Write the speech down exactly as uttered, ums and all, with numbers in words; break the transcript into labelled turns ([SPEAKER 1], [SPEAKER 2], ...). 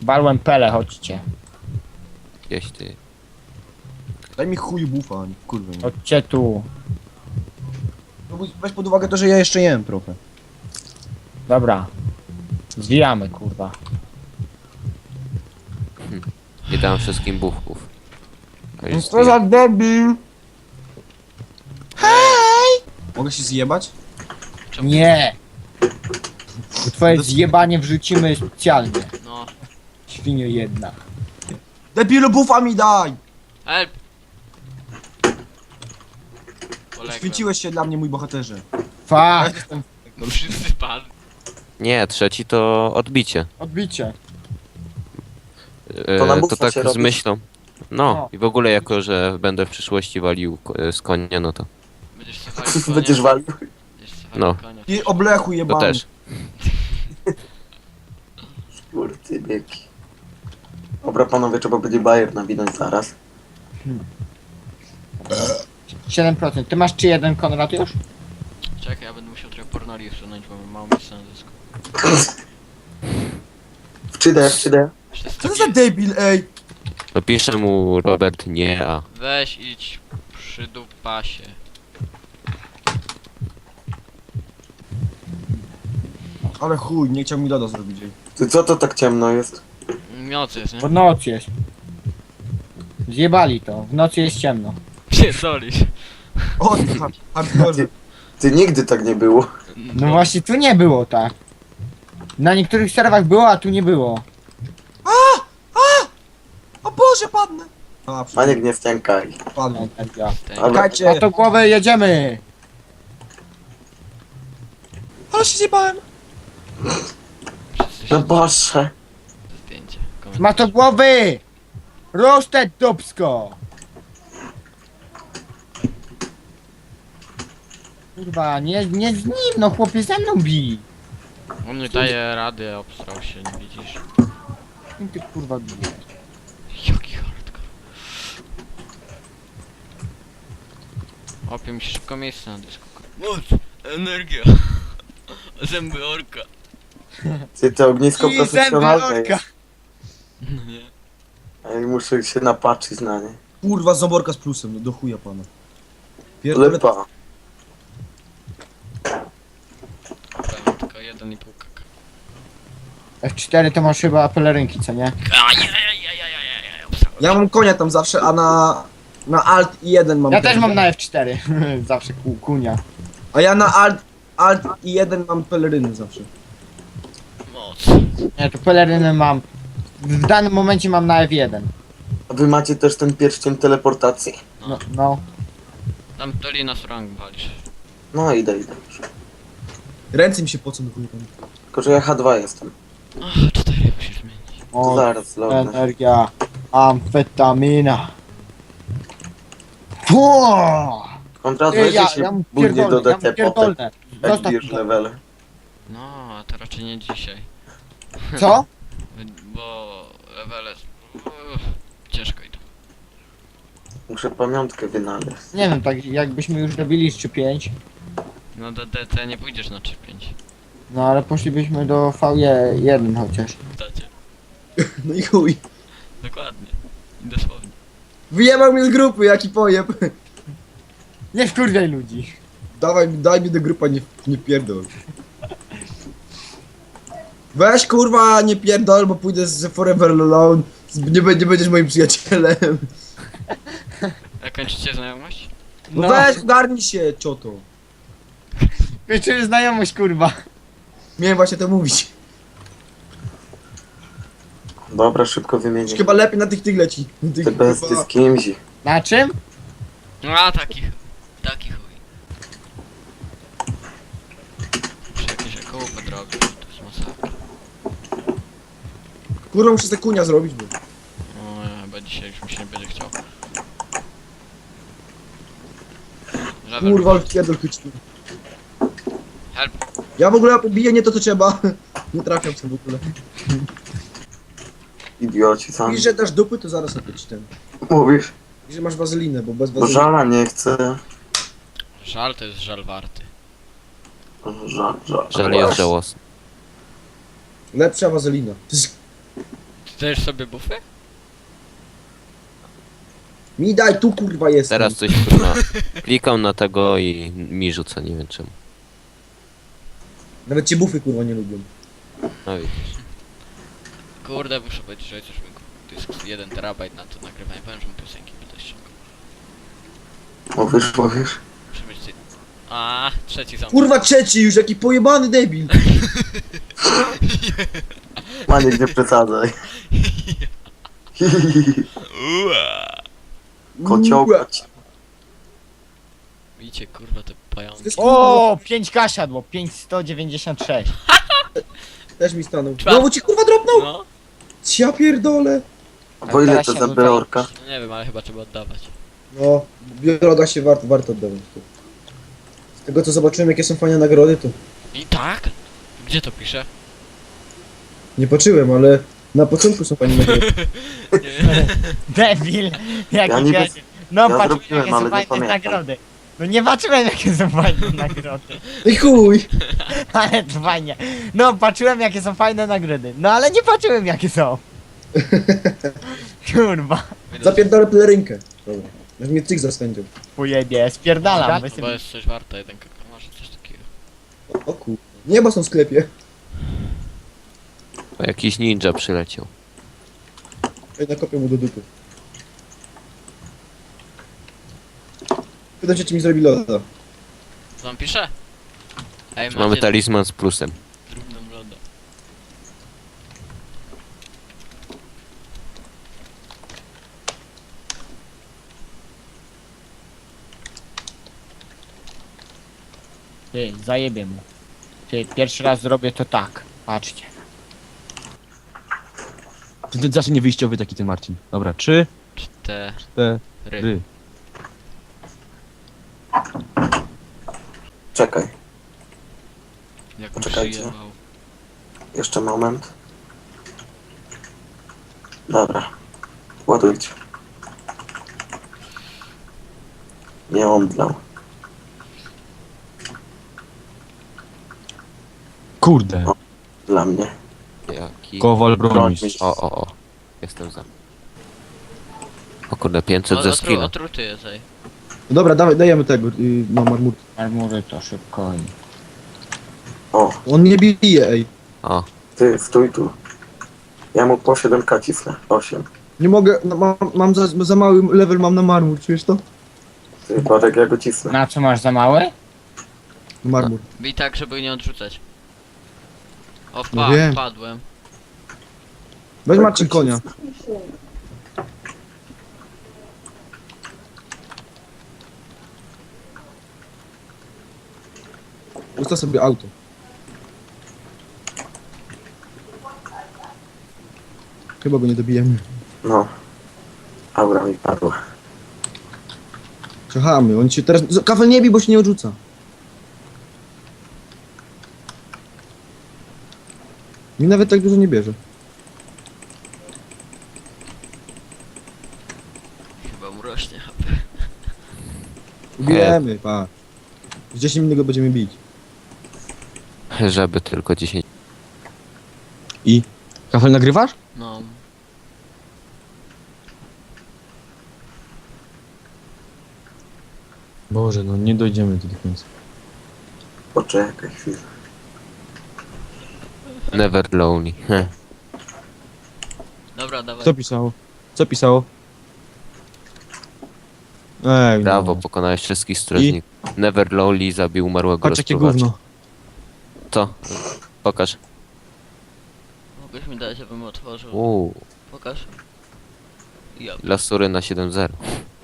[SPEAKER 1] Walłem pele, chodźcie.
[SPEAKER 2] Gdzieś ty.
[SPEAKER 3] Daj mi chuj bufa, kurwa. Nie.
[SPEAKER 1] Chodźcie tu.
[SPEAKER 3] No bo weź pod uwagę to, że ja jeszcze jem trochę.
[SPEAKER 1] Dobra. Zwijamy, kurwa.
[SPEAKER 2] Nie dałem wszystkim buchów. A już
[SPEAKER 3] Co za debil! Hej! Mogę się zjebać?
[SPEAKER 1] Nie! Bo twoje zjebanie wrzucimy specjalnie.
[SPEAKER 4] No.
[SPEAKER 1] Świnio jedna.
[SPEAKER 3] Debilu bufa mi daj!
[SPEAKER 4] Help! Poległem.
[SPEAKER 3] Święciłeś się dla mnie, mój bohaterze.
[SPEAKER 1] Fuck!
[SPEAKER 4] No wszyscy padli.
[SPEAKER 2] Nie, trzeci to odbicie.
[SPEAKER 1] Odbicie.
[SPEAKER 2] E,
[SPEAKER 5] To na
[SPEAKER 2] to
[SPEAKER 5] bufa
[SPEAKER 2] tak
[SPEAKER 5] się
[SPEAKER 2] z
[SPEAKER 5] robi.
[SPEAKER 2] myślą. No
[SPEAKER 1] No.
[SPEAKER 2] i w ogóle jako, że będę w przyszłości walił ko- z konia, no to,
[SPEAKER 4] Będziesz se walił konia.
[SPEAKER 5] Będziesz walił?
[SPEAKER 4] Będziesz se walił
[SPEAKER 2] No.
[SPEAKER 4] konia.
[SPEAKER 3] I oblechu
[SPEAKER 2] to
[SPEAKER 3] jebany.
[SPEAKER 2] też.
[SPEAKER 5] Kurty biegi. Dobra panowie, trzeba będzie bajer nawinąć zaraz.
[SPEAKER 1] siedem procent. Ty masz czy jeden, Konrad, już?
[SPEAKER 4] Czekaj, ja będę musiał trochę pornoli usunąć, bo mam mało miejsca na dysku.
[SPEAKER 5] W trzy D, w trzy D.
[SPEAKER 4] Jeszcze
[SPEAKER 3] Co to
[SPEAKER 4] sto
[SPEAKER 3] za debil, ej?
[SPEAKER 2] No pisze mu Robert nie, a
[SPEAKER 4] Weź idź przy dupasie.
[SPEAKER 3] Ale chuj, nie chciał mi loda zrobić, ej.
[SPEAKER 5] Ty co to tak ciemno jest?
[SPEAKER 4] Noc jest, nie?
[SPEAKER 1] Bo noc jest. Zjebali to. W nocy jest ciemno.
[SPEAKER 4] Pierdolisz.
[SPEAKER 3] O, ty ha- hardcore.
[SPEAKER 5] Ty nigdy tak nie było.
[SPEAKER 1] No właśnie tu nie było tak. Na niektórych serwach było, a tu nie było.
[SPEAKER 3] O Boże, padnę! A,
[SPEAKER 5] Maniek, nie wciąkaj.
[SPEAKER 3] padłem.
[SPEAKER 1] Energia.
[SPEAKER 5] Ale
[SPEAKER 3] Czekajcie,
[SPEAKER 1] Na tą głowę jedziemy!
[SPEAKER 3] ale się zjebałem.
[SPEAKER 4] Wszyscy
[SPEAKER 5] no
[SPEAKER 4] się
[SPEAKER 5] Boże.
[SPEAKER 4] zdjęcie.
[SPEAKER 1] Ma to głowy! Roasted dupsko! Kurwa, nie, nie z nim, no chłopie ze mną bij!
[SPEAKER 4] On nie daje rady, obstrał się, nie widzisz?
[SPEAKER 1] Kim ty kurwa bijesz?
[SPEAKER 4] Jaki hardcore. Opie mi się szybko miejsce na dysku. Moc! Energia! Zęby orka!
[SPEAKER 5] Ty to ognisko
[SPEAKER 1] I zęby
[SPEAKER 5] profesjonalne
[SPEAKER 1] orka!
[SPEAKER 5] jest.
[SPEAKER 4] No nie.
[SPEAKER 5] Ej, muszę się napatrzyć na nie.
[SPEAKER 3] Kurwa, zoborka z plusem, no do chuja pana. Pierdolę,
[SPEAKER 5] Lepa.
[SPEAKER 4] Powiem tylko jeden i pół kaka.
[SPEAKER 1] F cztery to masz chyba pelerynki, co nie?
[SPEAKER 4] Ajajajajajajaj, obstrałem.
[SPEAKER 3] ja mam konia tam zawsze, a na... Na alt i jeden mam
[SPEAKER 1] Ja
[SPEAKER 3] ten-
[SPEAKER 1] też mam na F cztery. Zawsze ku, kunia.
[SPEAKER 3] A ja na alt, alt i jeden mam peleryny zawsze.
[SPEAKER 4] Moc.
[SPEAKER 1] Nie, to peleryny mam. W danym momencie mam na F jeden.
[SPEAKER 5] A wy macie też ten pierścień teleportacji?
[SPEAKER 1] No, no.
[SPEAKER 4] Tam to nas rang walisz.
[SPEAKER 5] No idę, idę już.
[SPEAKER 3] Ręce mi się pocą do chuja pan.
[SPEAKER 5] Tylko, że ja H dwa jestem.
[SPEAKER 4] Ach, cztery musisz zmienić.
[SPEAKER 5] To
[SPEAKER 1] O,
[SPEAKER 5] zaraz lognę.
[SPEAKER 1] energia. Amfetamina. Fuuu!
[SPEAKER 5] Kontra
[SPEAKER 1] Ty,
[SPEAKER 5] weźcie
[SPEAKER 1] ja,
[SPEAKER 5] się
[SPEAKER 1] ja mu
[SPEAKER 5] bujnie do
[SPEAKER 1] pierdolę, ja mu
[SPEAKER 5] D T potem,
[SPEAKER 1] pierdolę.
[SPEAKER 5] jak
[SPEAKER 1] Zostaw
[SPEAKER 5] bierz
[SPEAKER 1] to.
[SPEAKER 5] levele.
[SPEAKER 4] No, a to raczej nie dzisiaj.
[SPEAKER 1] Co?
[SPEAKER 4] Bo levele... Uff, ciężko idą.
[SPEAKER 5] Muszę pamiątkę wynaleźć.
[SPEAKER 1] Nie wiem, tak jakbyśmy już robili trzy pięć.
[SPEAKER 4] No do D T nie pójdziesz na trzy pięć.
[SPEAKER 1] No ale poszlibyśmy do V jeden chociaż.
[SPEAKER 4] W dacie.
[SPEAKER 3] No i chuj.
[SPEAKER 4] Dokładnie. I dosłownie.
[SPEAKER 3] Wyjebał mnie z grupy, jaki pojeb.
[SPEAKER 1] Nie wkurwiaj ludzi.
[SPEAKER 3] Dawaj, daj mi do grupa, nie, nie pierdol. Weź kurwa, nie pierdol, bo pójdę z Forever Alone. Z- Nie, be- nie będziesz moim przyjacielem.
[SPEAKER 4] A kończycie znajomość?
[SPEAKER 3] No,
[SPEAKER 1] No,
[SPEAKER 3] weź, ogarnij się, cioto.
[SPEAKER 1] kończymy znajomość, kurwa.
[SPEAKER 3] Miałem właśnie to mówić.
[SPEAKER 5] Dobra, szybko wymienię.
[SPEAKER 3] Już chyba lepiej na tych tych leci. Na tych,
[SPEAKER 5] Te bestie
[SPEAKER 3] chyba-
[SPEAKER 5] z kimś.
[SPEAKER 1] Na czym?
[SPEAKER 4] No a taki chuj. Taki chuj. Muszę jakieś około podrobić, to jest masakra.
[SPEAKER 3] Kurwa, muszę te kunia zrobić, bo...
[SPEAKER 4] No chyba dzisiaj już mi się nie będzie chciał. Żaden
[SPEAKER 3] Kurwa, ale
[SPEAKER 4] będzie.
[SPEAKER 3] pierdol chyćny.
[SPEAKER 4] Help.
[SPEAKER 3] Ja w ogóle biję nie to, co trzeba. Nie trafiam w tym w ogóle.
[SPEAKER 5] Idioci sami.
[SPEAKER 3] I że dasz dupy, to zaraz opyć ten.
[SPEAKER 5] Mówisz?
[SPEAKER 3] I że masz wazelinę, bo bez
[SPEAKER 5] Bo
[SPEAKER 3] wazeliny...
[SPEAKER 5] żala nie chcę.
[SPEAKER 4] Żal to jest żal warty.
[SPEAKER 5] Żal, żal.
[SPEAKER 2] żal jest żałosny.
[SPEAKER 3] Lepsza wazelina. To jest...
[SPEAKER 4] Chcesz sobie bufy?
[SPEAKER 3] Mi daj, tu kurwa jest.
[SPEAKER 2] Teraz coś kurwa. Klikam na tego i mi rzuca, nie wiem czemu.
[SPEAKER 3] Nawet cię bufy kurwa nie lubią.
[SPEAKER 2] No widzisz.
[SPEAKER 4] Kurde, muszę powiedzieć, że chociaż mi dysk jeden terabajt na to nagrywanie. Powiem, że mu piosenki będę ściągał.
[SPEAKER 5] Mówisz, mówisz?
[SPEAKER 4] Muszę mieć... ty- A, trzeci ząb.
[SPEAKER 3] Kurwa trzeci już, jaki pojebany debil.
[SPEAKER 5] Maniek, nie przesadzaj.
[SPEAKER 4] Ua.
[SPEAKER 5] Kociołka ci.
[SPEAKER 4] Widzicie, kurwa, te pająki.
[SPEAKER 1] O, pięć K siadło, pięć sto dziewięćdziesiąt sześć.
[SPEAKER 3] Też mi stanął.
[SPEAKER 4] Czwa-
[SPEAKER 3] Znowu ci kurwa dropnął?
[SPEAKER 4] No,
[SPEAKER 3] Ja pierdolę.
[SPEAKER 5] A po ile
[SPEAKER 1] teraz
[SPEAKER 5] to
[SPEAKER 1] się
[SPEAKER 5] za
[SPEAKER 1] dodaje.
[SPEAKER 5] beorka?
[SPEAKER 4] no nie wiem, ale chyba trzeba oddawać.
[SPEAKER 3] No, biologa się warto, warto oddawać. Z tego co zobaczyłem jakie są fajne nagrody to
[SPEAKER 4] I tak? Gdzie to pisze?
[SPEAKER 3] nie patrzyłem, ale na początku są fajne nagrody.
[SPEAKER 4] Nie.
[SPEAKER 1] Debil, jaki
[SPEAKER 5] Ja niby-
[SPEAKER 1] ja No
[SPEAKER 5] ja
[SPEAKER 1] patrzyłem
[SPEAKER 5] zrobiłem,
[SPEAKER 1] jakie
[SPEAKER 5] ale
[SPEAKER 1] są
[SPEAKER 5] nie
[SPEAKER 1] fajne
[SPEAKER 5] pamiętam.
[SPEAKER 1] nagrody. No nie patrzyłem jakie są fajne nagrody.
[SPEAKER 3] I chuj!
[SPEAKER 1] Ale to fajnie. No patrzyłem jakie są fajne nagrody. No ale nie patrzyłem jakie są. Kurwa.
[SPEAKER 3] Zapierdolę pelerynkę. Dobra. Jak mnie cyk zastędził.
[SPEAKER 1] Pojebie, spierdalam. wy
[SPEAKER 4] Bo
[SPEAKER 1] sobie-
[SPEAKER 4] jest coś warte, jeden kakao, może coś takiego.
[SPEAKER 3] O kur... Nieba są w sklepie.
[SPEAKER 2] O, jakiś ninja przyleciał.
[SPEAKER 3] Ej, nakopię mu do dupy. Pytam się czy mi zrobi loda.
[SPEAKER 4] Co on pisze? Ej,
[SPEAKER 2] Mamy
[SPEAKER 4] macie
[SPEAKER 2] talizman z plusem.
[SPEAKER 4] drobną lodę.
[SPEAKER 1] Ty, zajebie mu. Ty, pierwszy raz zrobię to tak. Patrzcie.
[SPEAKER 6] Ty, ty zawsze nie wyjściowy taki ten Marcin. Dobra, trzy,
[SPEAKER 4] Cztery.
[SPEAKER 6] cztery.
[SPEAKER 5] Czekaj,
[SPEAKER 4] Jak
[SPEAKER 5] Poczekajcie.
[SPEAKER 4] przyjebał.
[SPEAKER 5] jeszcze moment. Dobra. Ładujcie. Nie omdlał.
[SPEAKER 6] Kurde.
[SPEAKER 5] Dla mnie.
[SPEAKER 2] Jaki...
[SPEAKER 6] Kowal bronisz.
[SPEAKER 2] O, o, o. Jestem za. O kurde, pięćset
[SPEAKER 4] O,
[SPEAKER 2] ze
[SPEAKER 4] otru,
[SPEAKER 2] skilla.
[SPEAKER 4] otruty jest, ej.
[SPEAKER 3] No dobra, dawaj, dajemy tego, yy, no marmurkę.
[SPEAKER 1] Armury to szybko. i-
[SPEAKER 5] O,
[SPEAKER 3] On nie bije, ej.
[SPEAKER 2] O,
[SPEAKER 5] ty, stój tu. Ja mu po siedem ka cisnę. osiem.
[SPEAKER 3] Nie mogę, no, mam, mam za, za mały level mam na marmur, czujesz to?
[SPEAKER 5] Ty, Barek, ja go cisnę.
[SPEAKER 1] Na co masz za małe?
[SPEAKER 3] Marmur.
[SPEAKER 4] Bij tak, żeby nie odrzucać. O,
[SPEAKER 3] No
[SPEAKER 4] wpa
[SPEAKER 3] wiem.
[SPEAKER 4] wpadłem.
[SPEAKER 3] Weź
[SPEAKER 5] Tak
[SPEAKER 3] Marcin
[SPEAKER 5] go
[SPEAKER 3] konia.
[SPEAKER 5] cisnę.
[SPEAKER 3] Ustaw sobie auto. Chyba go nie dobijemy.
[SPEAKER 5] No. Aura mi padła.
[SPEAKER 3] Czekamy, on się teraz... Kafel nie bij, bo się nie odrzuca. Mi nawet tak dużo nie bierze.
[SPEAKER 4] Chyba mu rośnie H P.
[SPEAKER 3] Ubijemy, pa. Z dziesięć minut go będziemy bić.
[SPEAKER 2] żeby tylko dziesięć.
[SPEAKER 6] I? Kafel nagrywasz?
[SPEAKER 4] No.
[SPEAKER 6] Boże, no nie dojdziemy tu do końca.
[SPEAKER 5] Poczekaj chwilę.
[SPEAKER 2] Never lonely. Heh.
[SPEAKER 4] Dobra, dawaj.
[SPEAKER 6] Co pisało? Co pisało? Ej,
[SPEAKER 2] Brawo,
[SPEAKER 6] no.
[SPEAKER 2] pokonałeś wszystkich strażników. Never lonely zabił umarłego
[SPEAKER 6] Patrz jakie
[SPEAKER 2] rozpruwacza.
[SPEAKER 6] gówno.
[SPEAKER 2] Co? Pokaż.
[SPEAKER 4] Mogłeś mi dać, żebym otworzył.
[SPEAKER 2] Uuu,
[SPEAKER 4] Pokaż. Ja.
[SPEAKER 2] lasury na siedem zero.